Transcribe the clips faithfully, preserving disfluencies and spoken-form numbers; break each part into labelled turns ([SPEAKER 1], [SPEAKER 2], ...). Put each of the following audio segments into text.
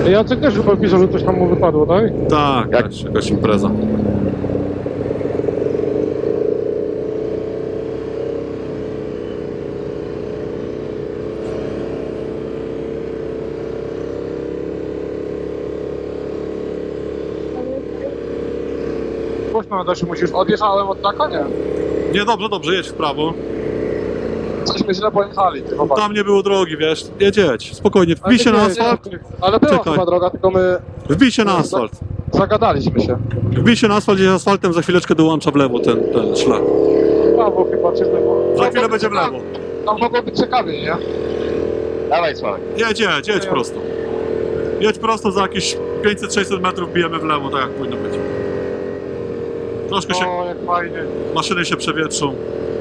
[SPEAKER 1] Jacek też chyba pisał, że coś tam mu wypadło, tak?
[SPEAKER 2] Tak,
[SPEAKER 3] Jak-
[SPEAKER 2] jakaś, jakaś impreza.
[SPEAKER 1] Głośno na się musisz. Odjechałem od taka, nie?
[SPEAKER 2] Nie, dobrze, dobrze, jedź w prawo.
[SPEAKER 1] Cośmy źle pojechali, ty chłopak.
[SPEAKER 2] Tam nie było drogi, wiesz, jedź, jedź, spokojnie, wbij się na asfalt,
[SPEAKER 1] Ale była
[SPEAKER 2] Czekaj.
[SPEAKER 1] chyba droga, tylko my
[SPEAKER 2] wbij się na asfalt.
[SPEAKER 1] zagadaliśmy się.
[SPEAKER 2] Wbij się na asfalt, jedzie asfaltem, za chwileczkę dołącza w lewo ten, ten szlak.
[SPEAKER 1] Prawo chyba, czy w lewo.
[SPEAKER 2] Za chwilę będzie w lewo.
[SPEAKER 1] Tam mogło być ciekawie, nie?
[SPEAKER 3] Dawaj, Sławek.
[SPEAKER 2] Jedź, jedź, jedź prosto. Jedź prosto, za jakieś pięćset sześćset metrów bijemy w lewo, tak jak powinno być. Troszkę się,
[SPEAKER 1] O, jak fajnie.
[SPEAKER 2] maszyny się przewietrzą.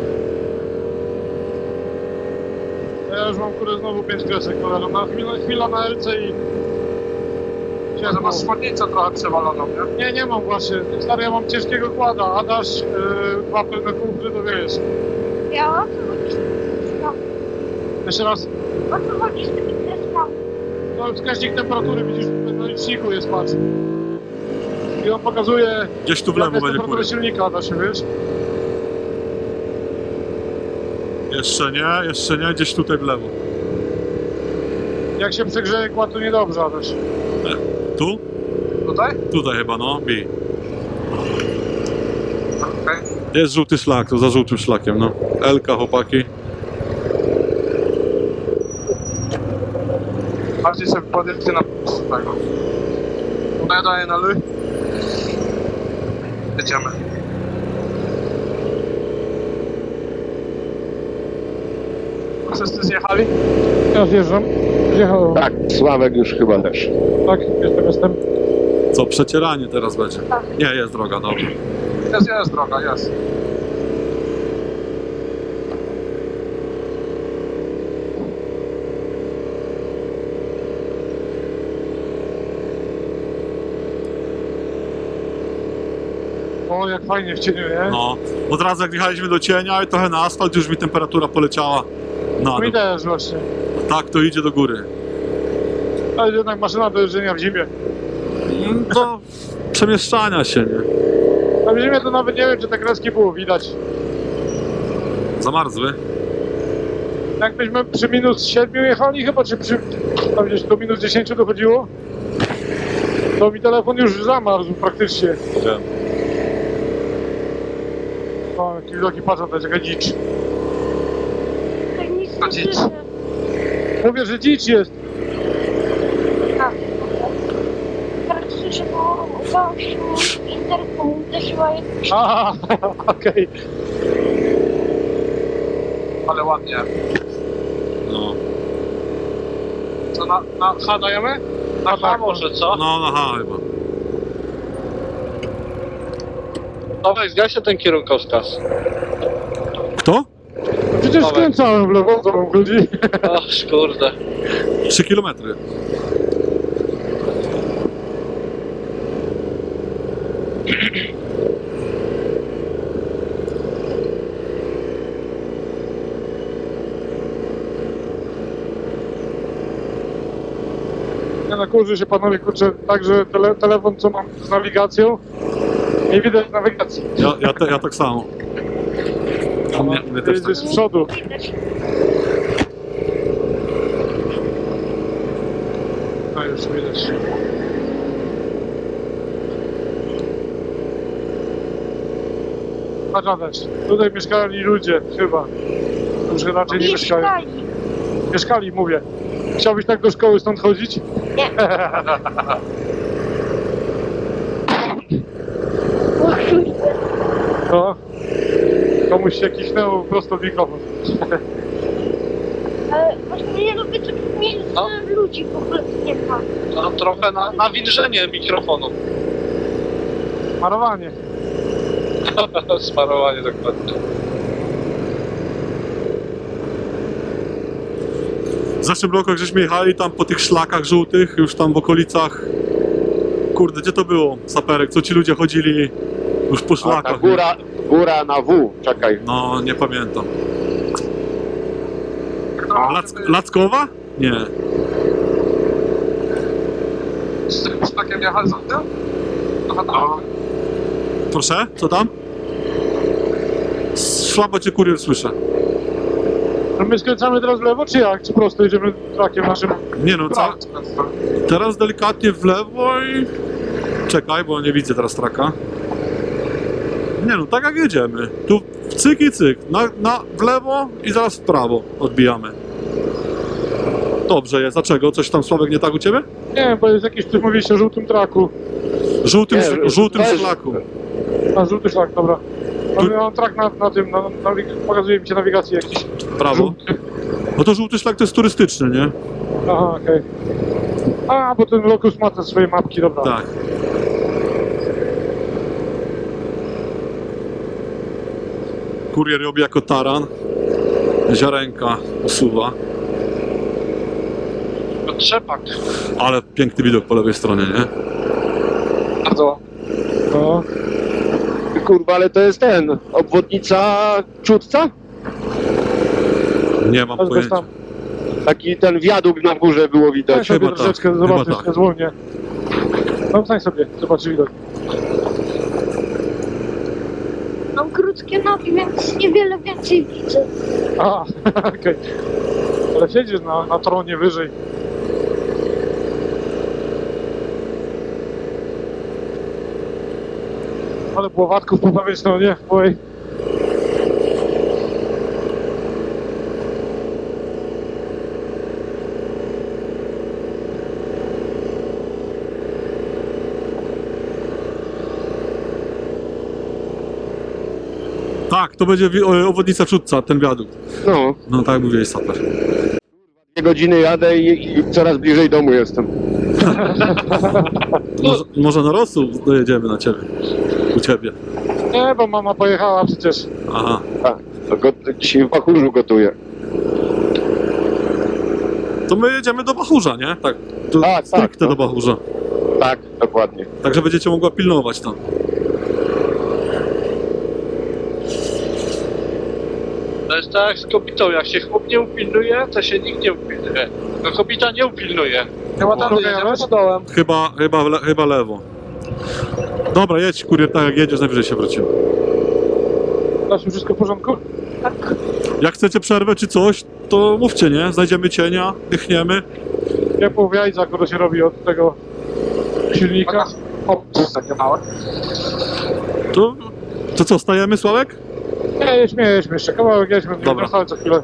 [SPEAKER 1] Ja już mam kurde znowu pięć kresek, cholera. Na chwilę, chwila na L C i... Chciałem, że masz spódnicę trochę przewaloną, nie? Nie, nie mam właśnie. Stary, ja mam ciężkiego kłada, a dasz yy, dwa pełne kółki, to wiesz.
[SPEAKER 4] Ja o co chodzi z tym kreską?
[SPEAKER 1] Jeszcze raz.
[SPEAKER 4] O co chodzi z tymi kreskami?
[SPEAKER 1] No, wskaźnik temperatury, widzisz, na liczniku jest, patrz. I on pokazuje,
[SPEAKER 2] Gdzieś tu w
[SPEAKER 1] jaka
[SPEAKER 2] lewo
[SPEAKER 1] jest
[SPEAKER 2] będzie
[SPEAKER 1] temperatura
[SPEAKER 2] kury.
[SPEAKER 1] silnika, da się, wiesz?
[SPEAKER 2] Jeszcze nie, jeszcze nie, gdzieś tutaj w lewo.
[SPEAKER 1] Jak się przegrzeje kład, to niedobrze, a też.
[SPEAKER 2] Tu?
[SPEAKER 1] Tutaj?
[SPEAKER 2] Tutaj chyba, no, bij.
[SPEAKER 1] Okej.
[SPEAKER 2] Jest żółty szlak, to za żółtym szlakiem, no. Elka, chłopaki.
[SPEAKER 1] Bardziej sobie podjeżdżę na tego. No ja daję na ly. Jedziemy. Wszyscy zjechali? Ja zjeżdżam. Zjechałem.
[SPEAKER 3] Tak, Sławek już chyba też.
[SPEAKER 1] Tak, jestem, jestem.
[SPEAKER 2] Co, przecieranie teraz będzie? Nie, jest droga, dobra.
[SPEAKER 1] Jest, jest droga, jest. O, jak fajnie w cieniu, nie?
[SPEAKER 2] No, od razu jak wjechaliśmy do cienia i trochę na asfalt, już mi temperatura poleciała na
[SPEAKER 1] Mi
[SPEAKER 2] dół.
[SPEAKER 1] też właśnie.
[SPEAKER 2] Tak, to idzie do góry.
[SPEAKER 1] Ale jednak maszyna do jeżdżenia w zimie.
[SPEAKER 2] Mm, Do przemieszczania się, nie?
[SPEAKER 1] A w zimie to nawet nie wiem, czy te kreski było widać.
[SPEAKER 2] Zamarzły.
[SPEAKER 1] Jakbyśmy przy minus siedmiu jechali chyba, czy przy... tam gdzieś do minus dziesięciu dochodziło, to mi telefon już zamarzł praktycznie.
[SPEAKER 2] Wiem.
[SPEAKER 1] O, jaki wielki patrz, to jest jaka dzicz.
[SPEAKER 4] Tak nic
[SPEAKER 1] A
[SPEAKER 4] nie
[SPEAKER 1] dziś?
[SPEAKER 4] słyszę.
[SPEAKER 1] Mówię, że dzicz jest.
[SPEAKER 4] Tak. Tak słyszę, bo gościu interkom uderzyła jakoś.
[SPEAKER 1] Aha, okej. Ale ładnie.
[SPEAKER 2] No,
[SPEAKER 1] Co, na, na H dajemy? Na H może, co?
[SPEAKER 2] no, aha, chyba.
[SPEAKER 5] Dawaj, zgaś ten kierunkowskaz.
[SPEAKER 2] Kto?
[SPEAKER 1] Przecież
[SPEAKER 5] Dawaj.
[SPEAKER 1] skręcałem w lewo, co wam chodzi?
[SPEAKER 5] O, kurde.
[SPEAKER 2] Trzy kilometry.
[SPEAKER 1] Nie no, kurzy się panowie, kurczę, także tele, telefon, co mam z nawigacją, nie widać nawigacji.
[SPEAKER 2] Ja, ja, te, ja tak samo. U mnie, u mnie
[SPEAKER 1] Ty
[SPEAKER 2] też tak.
[SPEAKER 1] jedziesz z przodu. No już widać. Patrz Adaś, tutaj mieszkali ludzie, chyba. Już raczej nie mieszkają.
[SPEAKER 4] Mieszkali.
[SPEAKER 1] Mieszkali, mówię. Chciałbyś tak do szkoły stąd chodzić?
[SPEAKER 4] Nie. O kurde.
[SPEAKER 1] No. Komuś się kichnęło prosto w mikrofon.
[SPEAKER 4] Ale właśnie nie lubię takich miejsc,
[SPEAKER 5] No.
[SPEAKER 4] że ludzi w ogóle nie ma.
[SPEAKER 5] To trochę na, nawilżenie mikrofonu.
[SPEAKER 1] Marowanie.
[SPEAKER 5] Sparowanie dokładnie.
[SPEAKER 2] W zeszłym roku, jak żeśmy jechali tam po tych szlakach żółtych, już tam w okolicach... Kurde, gdzie to było? Saperek, co ci ludzie chodzili już po
[SPEAKER 3] A ta
[SPEAKER 2] szlakach. nie?
[SPEAKER 3] góra, góra na W, czekaj.
[SPEAKER 2] No, nie pamiętam. Lac Lackowa? Nie.
[SPEAKER 5] nie jechać za tym? Aha, tak.
[SPEAKER 2] Proszę, co tam? Słabo cię kurier słyszę.
[SPEAKER 1] No my skręcamy teraz w lewo, czy jak? Czy prosto idziemy trakiem naszym?
[SPEAKER 2] Nie no, ca... teraz delikatnie w lewo i... Czekaj, bo nie widzę teraz traka. Nie no, tak jak jedziemy. Tu cyk i cyk. Na, na, w lewo i zaraz w prawo odbijamy. Dobrze jest. Dlaczego? Coś tam, Sławek, nie tak u ciebie?
[SPEAKER 1] Nie, bo jest jakiś, ty mówiliście o żółtym traku.
[SPEAKER 2] Żółtym,
[SPEAKER 3] Nie,
[SPEAKER 2] sz- żółtym
[SPEAKER 3] weź-
[SPEAKER 2] szlaku.
[SPEAKER 1] A, żółty szlak, dobra.
[SPEAKER 2] Tu-
[SPEAKER 1] Mamy mam trak na, na tym, na, na, pokazuje mi się nawigację jakiś.
[SPEAKER 2] Prawo.
[SPEAKER 1] Żółty.
[SPEAKER 2] No to żółty szlak to jest turystyczny, nie?
[SPEAKER 1] Aha, okej. A, bo ten Locus ma te swoje mapki, dobra.
[SPEAKER 2] Tak. Kurier robi jako taran. Ziarenka usuwa.
[SPEAKER 5] To trzepak.
[SPEAKER 2] Ale piękny widok po lewej stronie, nie?
[SPEAKER 5] Bardzo.
[SPEAKER 1] No.
[SPEAKER 3] Kurwa, ale to jest ten, obwodnica Czudca?
[SPEAKER 2] Nie mam
[SPEAKER 1] Aż bez
[SPEAKER 2] pojęcia.
[SPEAKER 1] tam.
[SPEAKER 3] Taki ten wiadukt na górze było
[SPEAKER 1] Stań
[SPEAKER 3] widać.
[SPEAKER 1] sobie
[SPEAKER 2] chyba tak,
[SPEAKER 1] troszeczkę,
[SPEAKER 2] chyba
[SPEAKER 1] zobaczysz,
[SPEAKER 2] tak.
[SPEAKER 1] tak. zwolnię. No, stań sobie, zobaczysz widok.
[SPEAKER 4] Mam krótkie nogi, więc niewiele więcej widzę.
[SPEAKER 1] A, okej. Ale siedzisz na, na tronie wyżej. Ale płowatków po prawej stronie, oj.
[SPEAKER 2] Tak, to będzie wi- o- obwodnica Czudca, ten wiadukt.
[SPEAKER 3] No,
[SPEAKER 2] No tak mówiłeś, Saper.
[SPEAKER 3] dwie godziny jadę i, i coraz bliżej domu jestem.
[SPEAKER 2] Może, może na rosół dojedziemy na ciebie. U ciebie.
[SPEAKER 1] Nie, bo mama pojechała przecież.
[SPEAKER 2] Aha.
[SPEAKER 3] Tak, to go, dzisiaj w Bachurzu gotuję.
[SPEAKER 2] To my jedziemy do Bachurza, nie? Tak. To
[SPEAKER 3] Tak, tak,
[SPEAKER 2] stricte
[SPEAKER 3] no.
[SPEAKER 2] do Bachurza.
[SPEAKER 3] Tak, dokładnie.
[SPEAKER 2] Także będziecie mogła pilnować tam.
[SPEAKER 5] To jest tak jak z kobietą, jak się chłop nie upilnuje, to się nikt nie upilnuje. No kobieta nie upilnuje. Chyba tam
[SPEAKER 1] Drogę
[SPEAKER 5] jedziemy
[SPEAKER 1] jadłeś?
[SPEAKER 5] pod dołem.
[SPEAKER 2] Chyba, chyba, le, chyba lewo. Dobra, jedź kurier tak jak jedziesz, najwyżej się wrócimy.
[SPEAKER 1] Dasz mi wszystko w porządku?
[SPEAKER 2] Jak chcecie przerwę czy coś, to mówcie, nie? Znajdziemy cienia, dychniemy.
[SPEAKER 1] Ja pół jajca, które się robi od tego silnika.
[SPEAKER 5] O, to jest takie małe.
[SPEAKER 2] To, to co, stajemy, Sławek?
[SPEAKER 1] Nie, jedźmy, jedźmy jeszcze kawałek, jedźmy, nie
[SPEAKER 2] Dobra.
[SPEAKER 1] wracamy co chwilę.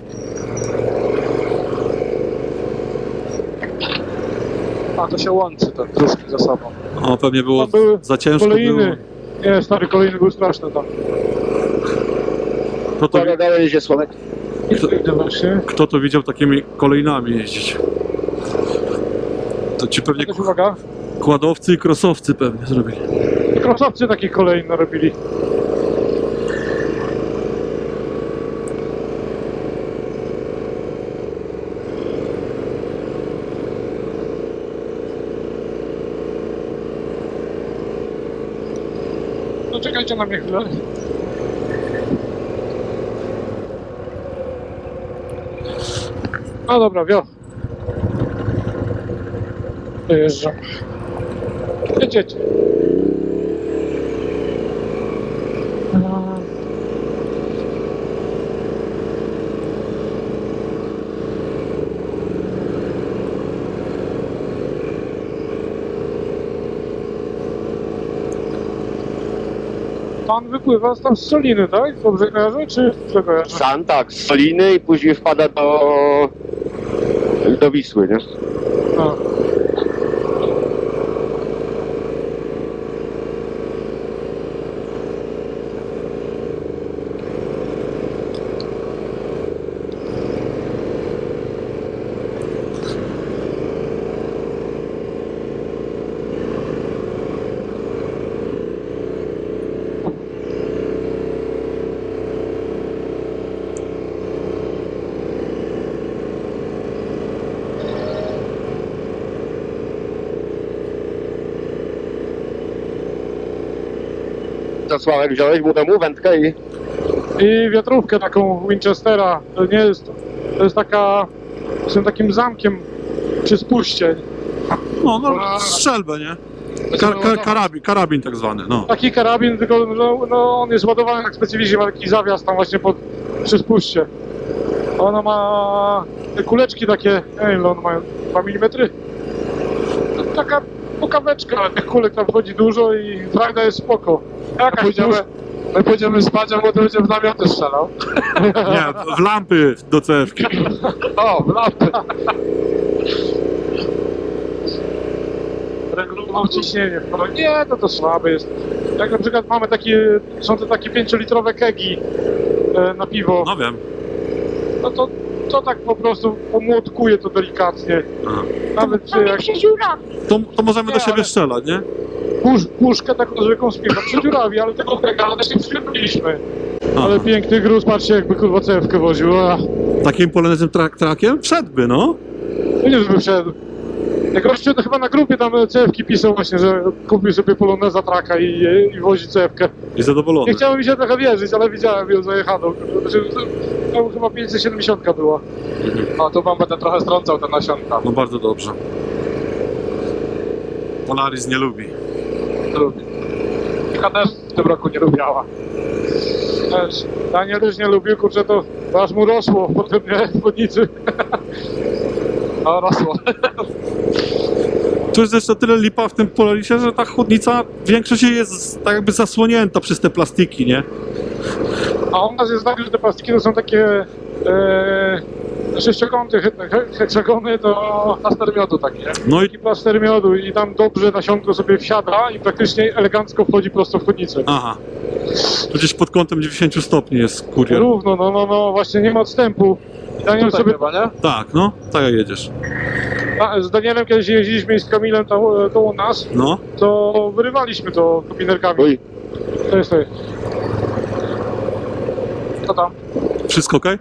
[SPEAKER 5] A to się łączy ten dróżki ze sobą.
[SPEAKER 2] O, pewnie było
[SPEAKER 1] Tam były
[SPEAKER 2] za ciężko było.
[SPEAKER 1] Kolejny. Nie, stary, kolejny był straszny tam.
[SPEAKER 2] Kto to,
[SPEAKER 3] Uwaga, dalej jedzie Sławek.
[SPEAKER 1] Kto, idę właśnie.
[SPEAKER 2] kto to widział takimi kolejnami jeździć? To ci pewnie
[SPEAKER 1] Jakaś uwaga.
[SPEAKER 2] kładowcy i krosowcy pewnie zrobili.
[SPEAKER 1] Krosowcy takich kolei narobili. No czekajcie na mnie chwilę. No dobra, wio. Dojeżdżam. Jedziecie. Pan wypływa tam z Soliny, tak? Dobrze kojarzę, czy źle kojarzę?
[SPEAKER 3] San, tak, z Soliny i później wpada do, do Wisły, nie?
[SPEAKER 1] A.
[SPEAKER 3] Co Sławek, wziąłeś mu temu wędkę i...
[SPEAKER 1] I wiatrówkę taką Winchestera. To nie jest. To jest taka. Z tym takim zamkiem przy spuście.
[SPEAKER 2] No, no, strzelbę, nie? Kar, kar, karabin, karabin tak zwany, no.
[SPEAKER 1] Taki karabin, tylko no, no, on jest ładowany tak specyficznie, ma taki zawias tam właśnie pod, przy spuście. Ona ma te kuleczki takie, nie wiem ile one mają, dwa milimetry? To taka pukaweczka, ale tych kulek tam wchodzi dużo i frajda jest spoko. Jakaś pójdziemy, my pójdziemy spać, a potem będzie w namioty strzelał.
[SPEAKER 2] Nie, w lampy do cewki.
[SPEAKER 1] O, w lampy. Regulował ciśnienie. No nie, to to słabe jest. Jak na przykład mamy takie, są to takie pięciolitrowe kegi e, na piwo,
[SPEAKER 2] No wiem.
[SPEAKER 1] no to, to tak po prostu pomłotkuje to delikatnie.
[SPEAKER 2] Aha.
[SPEAKER 1] Nawet czy
[SPEAKER 4] Tam
[SPEAKER 1] jak
[SPEAKER 4] jak się dziurawi.
[SPEAKER 2] To, to możemy do
[SPEAKER 1] Nie,
[SPEAKER 2] siebie
[SPEAKER 1] ale-
[SPEAKER 2] strzelać, nie?
[SPEAKER 1] pusz, puszkę taką zwykłą z piwa przedziurawi, ale tego kega też nie przyjemiliśmy.
[SPEAKER 2] Aha.
[SPEAKER 1] Ale piękny gruz, patrzcie jakby kurwa cewkę woził. A,
[SPEAKER 2] Takim polonezem trak trakiem wszedłby, no.
[SPEAKER 1] no nie żeby wszedł. Jak gościu to chyba na grupie tam cewki pisał właśnie, że kupił sobie poloneza traka i, i wozi cewkę.
[SPEAKER 2] I zadowolony.
[SPEAKER 1] Nie chciało mi się trochę wierzyć, ale widziałem ją zajechaną. Znaczy, to chyba pięćset siedemdziesiąt była. A tu wam będę trochę strącał te nasionka.
[SPEAKER 2] No bardzo dobrze. Polaris nie lubi.
[SPEAKER 1] Lubi. Mika też w tym roku nie lubiała. Też. Daniel też nie lubił, kurczę, to aż mu rosło potem, nie? W chodnicy. No, rosło.
[SPEAKER 2] Tu jest jeszcze tyle lipa w tym Polarisie, że ta chłodnica, większość jej jest tak jakby zasłonięta przez te plastiki, nie?
[SPEAKER 1] A u nas jest tak, że te plastiki to są takie e, sześciokąty, he, he, heksagony, to plaster miodu taki, nie?
[SPEAKER 2] No i...
[SPEAKER 1] Taki plaster miodu i tam dobrze nasionko sobie wsiada i praktycznie elegancko wchodzi prosto w chodnicę.
[SPEAKER 2] Aha. Tu gdzieś pod kątem dziewięćdziesiąt stopni jest kurier.
[SPEAKER 1] Równo, no, no, no, właśnie nie ma odstępu. Daniel sobie,
[SPEAKER 5] chyba, nie?
[SPEAKER 2] Tak, no. Tak jak jedziesz.
[SPEAKER 1] a, z Danielem kiedyś jeździliśmy i z Kamilem tam, e, koło nas,
[SPEAKER 2] No.
[SPEAKER 1] to wyrywaliśmy to kopinerkami.
[SPEAKER 3] Oj,
[SPEAKER 1] To jest to jest. Co tam?
[SPEAKER 2] Wszystko okej?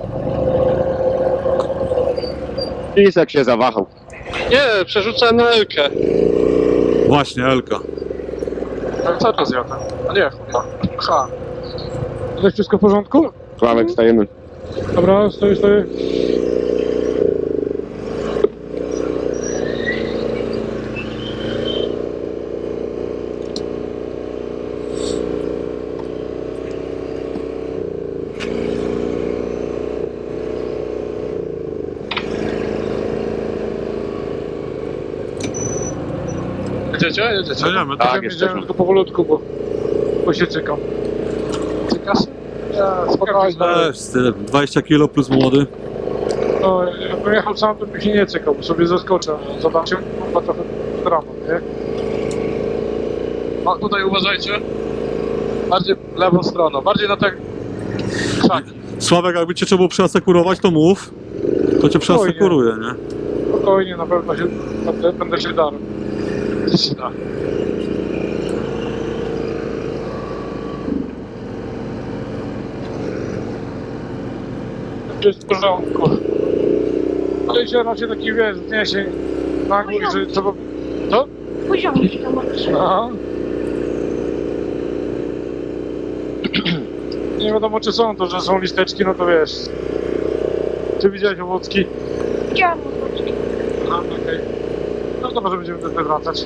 [SPEAKER 3] Lisek się zawahał.
[SPEAKER 5] Nie, przerzucę na Elkę.
[SPEAKER 2] Właśnie, Elka.
[SPEAKER 1] Co to zjadł? A nie, chuja. Ha. To jest wszystko w porządku?
[SPEAKER 3] Sławek, stajemy.
[SPEAKER 1] Dobra, stoi, stoi.
[SPEAKER 5] Jedziecie? Jedziecie?
[SPEAKER 2] Jedziemy,
[SPEAKER 3] Tak,
[SPEAKER 1] Jedziemy,
[SPEAKER 3] jesteśmy.
[SPEAKER 1] jedziemy tylko powolutku, bo, bo się czekam.
[SPEAKER 5] Cykasz?
[SPEAKER 1] Ja, spokojnie.
[SPEAKER 2] Też, z tym. dwadzieścia kilo plus młody.
[SPEAKER 1] No, jakbym jechał sam, to bym się nie cykał, bo sobie zaskoczę. Zobaczę, chyba trochę dramat, nie?
[SPEAKER 5] O, tutaj uważajcie. Bardziej lewą stroną, bardziej na te krzaki.
[SPEAKER 2] Sławek, jakby cię trzeba było przeasekurować, to mów. To cię przeasekuruje, nie?
[SPEAKER 1] Spokojnie, na pewno się, będę, będę się darł. Się da. Jest w porządku. Ale się raczej taki, wiesz, wniesień nagły, że trzeba... Co?
[SPEAKER 4] Poziomie się tam odczuwa.
[SPEAKER 1] Aha. Nie wiadomo czy są to, że są listeczki, no to wiesz. Czy widziałeś owocki?
[SPEAKER 4] Widziałam otoczki.
[SPEAKER 1] Aha, okej. No to może będziemy też wracać.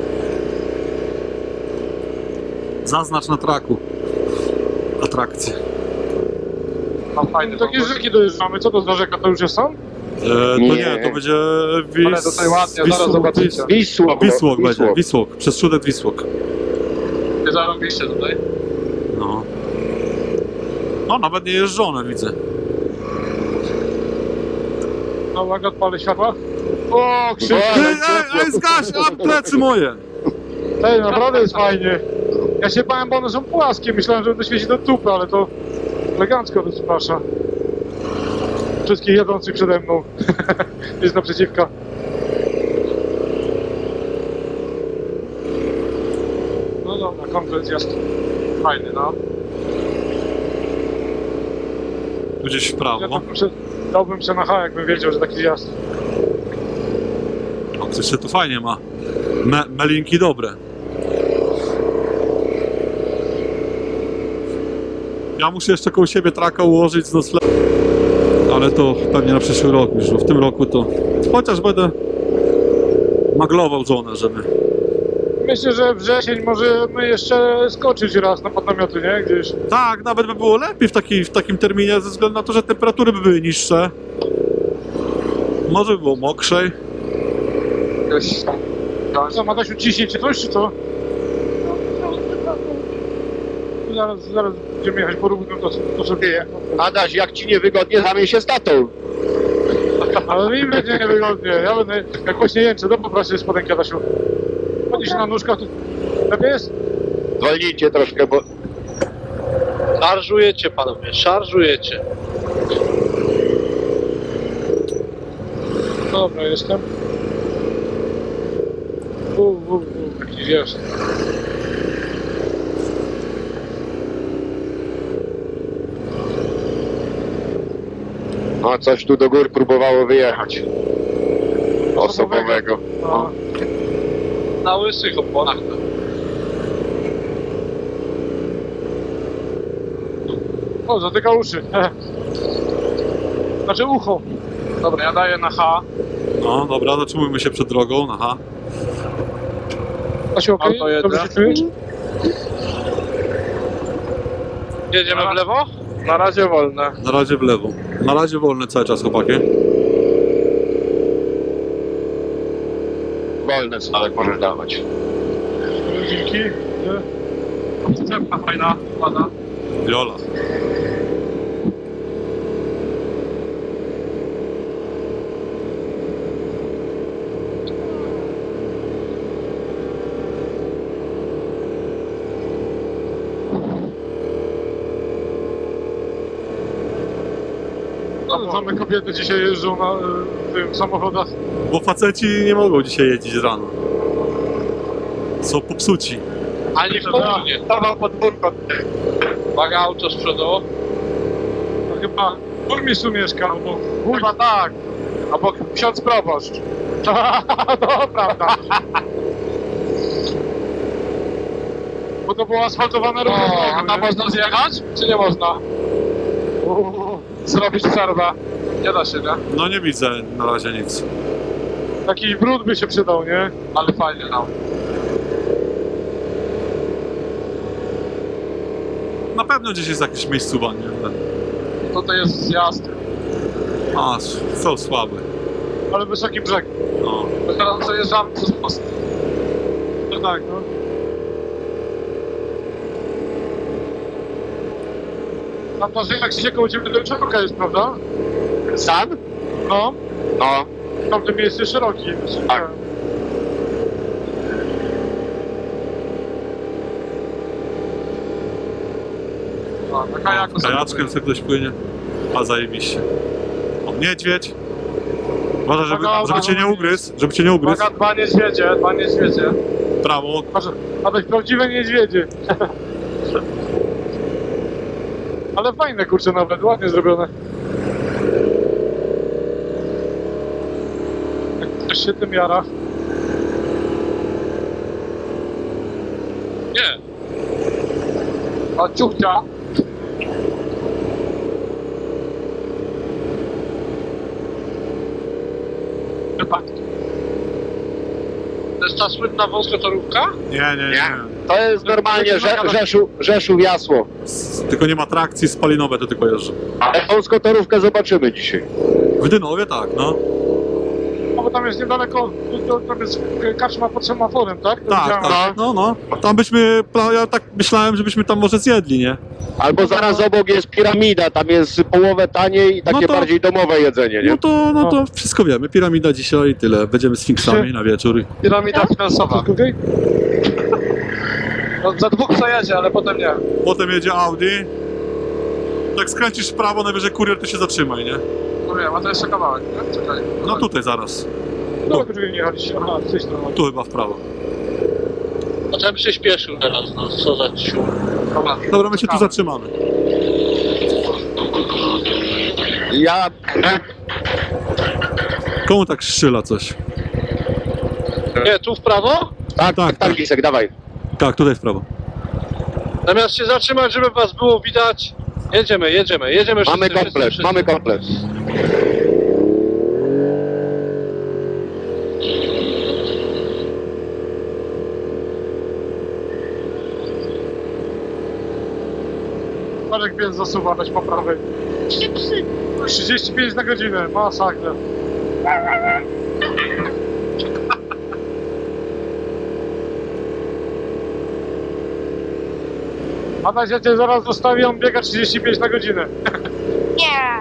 [SPEAKER 2] Zaznacz na traku. Atrakcję.
[SPEAKER 5] Mam fajny
[SPEAKER 1] Takie
[SPEAKER 5] pomysł.
[SPEAKER 1] rzeki dojeżdżamy, co to za rzeka? To już jest sam?
[SPEAKER 2] E, to nie.
[SPEAKER 3] Nie.
[SPEAKER 2] to będzie Wis...
[SPEAKER 5] Ale tutaj ładnie, zaraz
[SPEAKER 2] Wisłok-
[SPEAKER 5] zobaczycie.
[SPEAKER 2] Wis-
[SPEAKER 3] Wisłok.
[SPEAKER 2] Wisłok będzie,
[SPEAKER 3] Wisłok.
[SPEAKER 2] Wisłok. Przez Szudet Wisłok.
[SPEAKER 5] Nie zarąbiście tutaj.
[SPEAKER 2] No. No, nawet nie jeżdżone, widzę.
[SPEAKER 1] No uwaga, odpalę światła. O, krzyk!
[SPEAKER 2] Ej, ej, ej, zgaś! A, plecy moje!
[SPEAKER 1] Ej, naprawdę jest fajnie. Ja się bałem, bo one są płaskie. Myślałem, że będę świecić do tupy, ale to elegancko rozprasza. Wszystkich jadących przede mną. Jest naprzeciwka. No dobra, komplet jest fajny, no.
[SPEAKER 2] Tu gdzieś w
[SPEAKER 1] Ja
[SPEAKER 2] prawo.
[SPEAKER 1] dałbym się, dałbym się na H, jakbym wiedział, że taki zjazd.
[SPEAKER 2] O, coś się tu fajnie ma. Me melinki dobre. Ja muszę jeszcze koło siebie traka ułożyć z noclegiem. Ale to pewnie na przyszły rok już, bo w tym roku to... Chociaż będę maglował żonę, żeby...
[SPEAKER 1] Myślę, że wrzesień możemy jeszcze skoczyć raz na podnamioty, nie? Gdzieś.
[SPEAKER 2] Tak, nawet by było lepiej w, taki, w takim terminie, ze względu na to, że temperatury by były niższe. Może by było mokrzej.
[SPEAKER 5] Jakoś...
[SPEAKER 1] Co, Madasiu, ciśnie cię coś, czy co? Zaraz, zaraz będziemy jechać po równym, to, to sobie...
[SPEAKER 3] Adaś, jak ci niewygodnie, zamień się z tatą.
[SPEAKER 1] Ale mi będzie niewygodnie. Ja będę, jak właśnie jęczę, to poproszę spodenki, Adasiu. Chodzisz na nóżkach, to lepiej jest?
[SPEAKER 3] Zwolnijcie troszkę, bo
[SPEAKER 5] Szarżujecie, panowie, szarżujecie.
[SPEAKER 1] Dobra, jestem. U, u, u, jakiś jest.
[SPEAKER 3] no, coś tu do gór próbowało wyjechać. Osobowego.
[SPEAKER 1] A,
[SPEAKER 5] Na łysych oponach.
[SPEAKER 1] o, zatyka uszy. Znaczy ucho. Dobra, ja daję na H.
[SPEAKER 2] No, dobra, zatrzymujmy się przed drogą, aha.
[SPEAKER 1] Asiu, okej?
[SPEAKER 5] Auto jedzie.
[SPEAKER 1] Dobrze się czujesz?
[SPEAKER 5] Jedziemy w lewo? Na razie wolne.
[SPEAKER 2] Na razie w lewo. Na razie wolny cały czas, chłopaki.
[SPEAKER 3] Wolny stałek możesz dawać.
[SPEAKER 1] Dzięki.
[SPEAKER 5] Cepka fajna, ładna.
[SPEAKER 2] Jola.
[SPEAKER 1] No, same kobiety dzisiaj jeżdżą na y, tym samochodach.
[SPEAKER 2] Bo faceci nie mogą dzisiaj jeździć rano. Są popsuci.
[SPEAKER 5] Ani w południe. Stawał podwórko. Uwaga, auto z przodu.
[SPEAKER 1] To chyba burmistrz tu mieszka, albo chyba tak. Albo ksiądz proboszcz. To prawda. Bo to było asfaltowane równo.
[SPEAKER 5] a tam można zjechać? Czy nie można?
[SPEAKER 1] Zrobić przerwę.
[SPEAKER 5] Nie da się, nie?
[SPEAKER 2] No nie widzę na razie nic.
[SPEAKER 1] Taki brud by się przydał, nie?
[SPEAKER 5] Ale fajnie no.
[SPEAKER 2] Na pewno gdzieś jest jakieś miejscowa, nie?
[SPEAKER 5] Tutaj jest zjazd.
[SPEAKER 2] A, są słabe.
[SPEAKER 1] Ale wysoki brzeg.
[SPEAKER 2] No.
[SPEAKER 5] Teraz przejeżdżamy przez most.
[SPEAKER 1] No tak, no. Tam to jak się koło ciebie do szeroka jest, prawda?
[SPEAKER 3] Sam?
[SPEAKER 1] No.
[SPEAKER 3] No.
[SPEAKER 1] Tamte miejsce szerokie.
[SPEAKER 3] Tak.
[SPEAKER 5] A, na kajaku sobie
[SPEAKER 2] Kajaczkiem sobie ktoś płynie. A zajebiście. O, niedźwiedź. Uważaj, żeby, żeby cię nie ugryzł, żeby cię nie ugryzł.
[SPEAKER 5] Uwaga, dwa niedźwiedzie, dwa niedźwiedzie.
[SPEAKER 2] Prawo.
[SPEAKER 1] Patrz, a to prawdziwe niedźwiedzie. Ale fajne, kurczę, nawet ładnie zrobione. Jak ktoś się tym jara.
[SPEAKER 5] Nie. A ciuchcia. Wypadki. To jest ta słynna wąskotorówka?
[SPEAKER 2] Nie, nie, nie.
[SPEAKER 3] Nie. To jest normalnie Rze Rzeszów, Rzeszów Jasło.
[SPEAKER 2] S- Tylko nie ma trakcji, spalinowe to tylko jeżdżą.
[SPEAKER 3] Ale wąskotorówkę zobaczymy dzisiaj.
[SPEAKER 2] W Dynowie tak, no.
[SPEAKER 1] No bo tam jest niedaleko, to, tam jest karczma pod semaforem, tak? To
[SPEAKER 2] Tak,
[SPEAKER 1] widziałem.
[SPEAKER 2] tak. No, no. Tam byśmy, pla- ja tak myślałem, żebyśmy tam może zjedli, nie?
[SPEAKER 3] Albo zaraz obok jest piramida, tam jest połowę taniej i takie
[SPEAKER 2] No to-
[SPEAKER 3] bardziej domowe jedzenie, nie?
[SPEAKER 2] No to, no to wszystko wiemy. Piramida dzisiaj i tyle. Będziemy sfinksami na wieczór.
[SPEAKER 5] Piramida finansowa.
[SPEAKER 1] Wszystko okej?
[SPEAKER 5] No, za dwóch przejedzie, ale potem nie.
[SPEAKER 2] Potem jedzie Audi. Jak skręcisz w prawo, najwyżej kurier, to się zatrzymaj, nie?
[SPEAKER 5] No wiem, a to jeszcze kawałek, nie? Czekaj.
[SPEAKER 2] No tutaj zaraz.
[SPEAKER 1] No, tylko nie jechaliście. Aha, z tej strony.
[SPEAKER 2] Tu chyba w prawo.
[SPEAKER 5] A czemu się śpieszył teraz, no co za ciu. Dobra,
[SPEAKER 2] Dobra, my się tu zatrzymamy.
[SPEAKER 3] Ja...
[SPEAKER 2] Komu tak strzela coś?
[SPEAKER 5] Nie, tu w prawo?
[SPEAKER 3] Tak, tak, tak, Lisek, dawaj.
[SPEAKER 2] Tak, tutaj w prawo.
[SPEAKER 5] Zamiast się zatrzymać, żeby was było widać. Jedziemy, jedziemy, jedziemy wszyscy,
[SPEAKER 3] Mamy
[SPEAKER 5] wszyscy,
[SPEAKER 3] komplet,
[SPEAKER 5] wszyscy.
[SPEAKER 3] mamy komplet.
[SPEAKER 1] Marek więc zasuwa, weź po prawej.
[SPEAKER 4] Trzy psy.
[SPEAKER 1] trzydzieści pięć na godzinę, masakra. Adaś, ja cię zaraz zostawię, on biega trzydzieści pięć na godzinę.
[SPEAKER 4] Nie.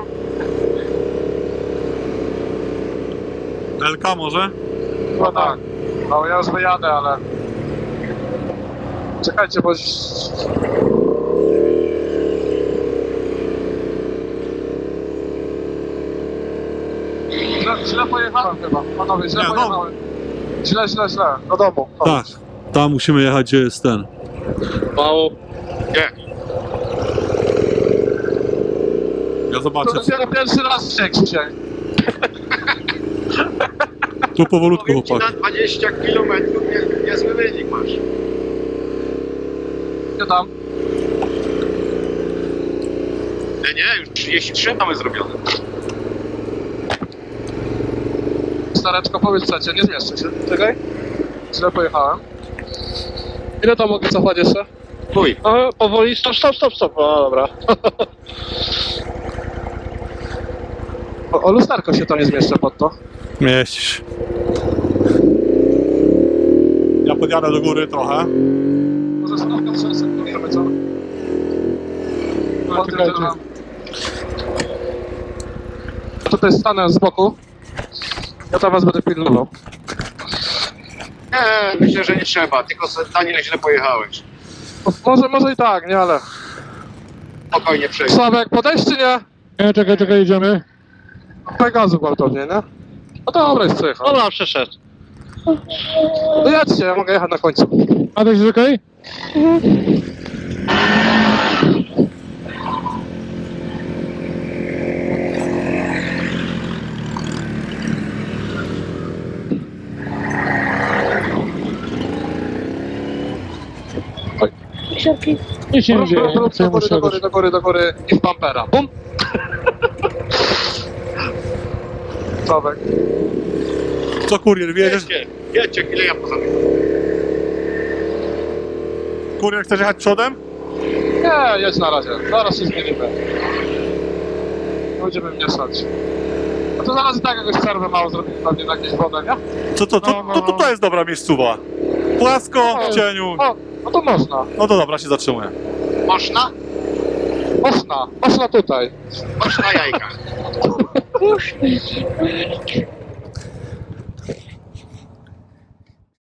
[SPEAKER 2] L K może?
[SPEAKER 1] Chyba tak. No ja już wyjadę, ale... Czekajcie, bo... Źle, źle pojechałem chyba, panowie, źle
[SPEAKER 2] Nie, no.
[SPEAKER 1] pojechałem. Źle, źle, źle, do domu.
[SPEAKER 2] Tak. Tam musimy jechać, gdzie jest ten.
[SPEAKER 5] Mało.
[SPEAKER 2] Ja
[SPEAKER 1] To
[SPEAKER 2] zobaczę.
[SPEAKER 1] dopiero pierwszy raz się dzisiaj.
[SPEAKER 2] Tu powolutku,
[SPEAKER 3] Powiem ci,
[SPEAKER 2] chłopaki.
[SPEAKER 3] na dwadzieścia kilometrów nie, niezły wynik masz.
[SPEAKER 1] Gdzie tam?
[SPEAKER 3] Nie, nie, już trzydzieści trzy mamy zrobione.
[SPEAKER 1] Stareczko, powiedz trzecie, nie zmieszczę się. Czekaj. Źle pojechałem. Ile tam mogę cofać jeszcze?
[SPEAKER 3] Chuj.
[SPEAKER 5] No, powoli, stop, stop, stop, stop. O, dobra.
[SPEAKER 1] O, o lusterko się to nie zmieszczę pod to.
[SPEAKER 2] Mieścisz. Ja podjadę do góry trochę.
[SPEAKER 1] Może stawka przesekujemy, co? No,
[SPEAKER 6] Czekajcie.
[SPEAKER 1] Tutaj stanę z boku. Ja to was będę pilnował.
[SPEAKER 3] Nie, myślę, że nie trzeba, tylko se- Daniel źle pojechałeś.
[SPEAKER 1] Może, może i tak, nie, ale...
[SPEAKER 3] Spokojnie przejdź.
[SPEAKER 1] Sławek, podejść czy nie?
[SPEAKER 6] Nie, czekaj, czekaj, idziemy.
[SPEAKER 1] Daj gazu gwałtownie, nie? No dobra, jest przejechał.
[SPEAKER 5] Dobra, przeszedł.
[SPEAKER 1] No jedźcie, ja mogę jechać na końcu.
[SPEAKER 6] Adaś, jest okej?
[SPEAKER 4] Siorki.
[SPEAKER 6] Nic się nie
[SPEAKER 1] Rób,
[SPEAKER 6] dzieje,
[SPEAKER 1] rób,
[SPEAKER 6] nie
[SPEAKER 1] rób, do
[SPEAKER 6] chcę
[SPEAKER 1] góry, do góry, do góry, do góry i w bumpera. Bum! Sławek.
[SPEAKER 2] Co kurier, wiedziesz?
[SPEAKER 3] Jedźcie, jedźcie, chwilę ja pozamykam.
[SPEAKER 2] Kurier, chcesz jechać przodem?
[SPEAKER 1] Nie, jedź na razie. Zaraz się zmienimy. Nie będziemy mieszać. A to zaraz i tak jakąś przerwę mało zrobimy pewnie na jakieś wodę, nie?
[SPEAKER 2] Co, to, to,
[SPEAKER 1] No, no,
[SPEAKER 2] to, to, to jest dobra miejscowa. Płasko, w cieniu.
[SPEAKER 1] O, no to można.
[SPEAKER 2] No to dobra, się zatrzymuję.
[SPEAKER 3] Można?
[SPEAKER 1] Można. Można tutaj.
[SPEAKER 3] Można jajka.
[SPEAKER 4] Puść.